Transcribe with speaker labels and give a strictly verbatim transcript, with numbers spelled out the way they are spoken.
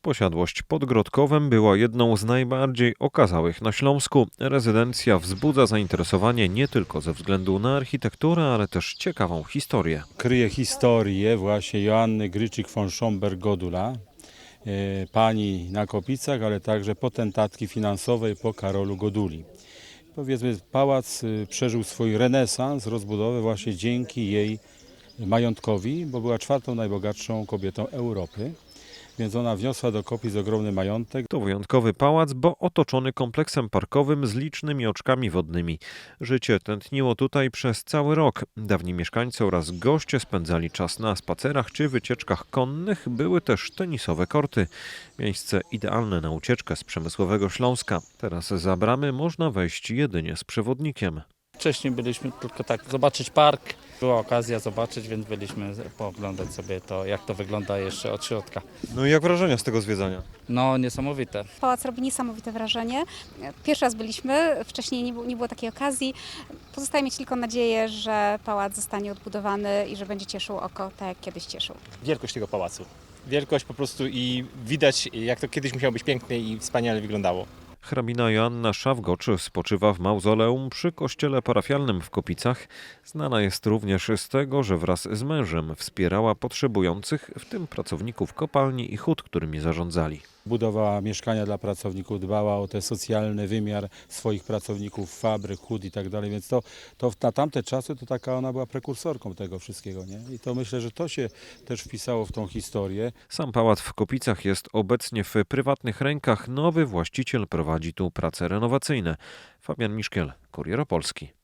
Speaker 1: Posiadłość pod Grodkowem była jedną z najbardziej okazałych na Śląsku. Rezydencja wzbudza zainteresowanie nie tylko ze względu na architekturę, ale też ciekawą historię.
Speaker 2: Kryje historię właśnie Joanny Gryczyk von Schomberg-Godula, e, pani na Kopicach, ale także potentatki finansowej po Karolu Goduli. Powiedzmy, pałac y, przeżył swój renesans, rozbudowę właśnie dzięki jej majątkowi, bo była czwartą najbogatszą kobietą Europy. Więc ona wniosła do Kopic ogromny majątek.
Speaker 1: To wyjątkowy pałac, bo otoczony kompleksem parkowym z licznymi oczkami wodnymi. Życie tętniło tutaj przez cały rok. Dawni mieszkańcy oraz goście spędzali czas na spacerach czy wycieczkach konnych. Były też tenisowe korty. Miejsce idealne na ucieczkę z przemysłowego Śląska. Teraz za bramy można wejść jedynie z przewodnikiem.
Speaker 3: Wcześniej byliśmy tylko tak zobaczyć park. Była okazja zobaczyć, więc byliśmy pooglądać sobie to, jak to wygląda jeszcze od środka.
Speaker 1: No i jak wrażenia z tego zwiedzania?
Speaker 3: No niesamowite.
Speaker 4: Pałac robi niesamowite wrażenie. Pierwszy raz byliśmy, wcześniej nie było, nie było takiej okazji. Pozostaje mieć tylko nadzieję, że pałac zostanie odbudowany i że będzie cieszył oko tak, jak kiedyś cieszył.
Speaker 5: Wielkość tego pałacu. Wielkość po prostu i widać, jak to kiedyś musiało być pięknie i wspaniale wyglądało.
Speaker 1: Hrabina Joanna Szawgocz spoczywa w mauzoleum przy kościele parafialnym w Kopicach. Znana jest również z tego, że wraz z mężem wspierała potrzebujących, w tym pracowników kopalni i hut, którymi zarządzali.
Speaker 2: Budowała mieszkania dla pracowników, dbała o ten socjalny wymiar swoich pracowników, fabryk, hut i tak dalej. Więc to, to na tamte czasy to taka ona była prekursorką tego wszystkiego. Nie? I to myślę, że to się też wpisało w tą historię.
Speaker 1: Sam pałac w Kopicach jest obecnie w prywatnych rękach. Nowy właściciel prowadzi tu prace renowacyjne. Fabian Miszkiel, Kurier Opolski.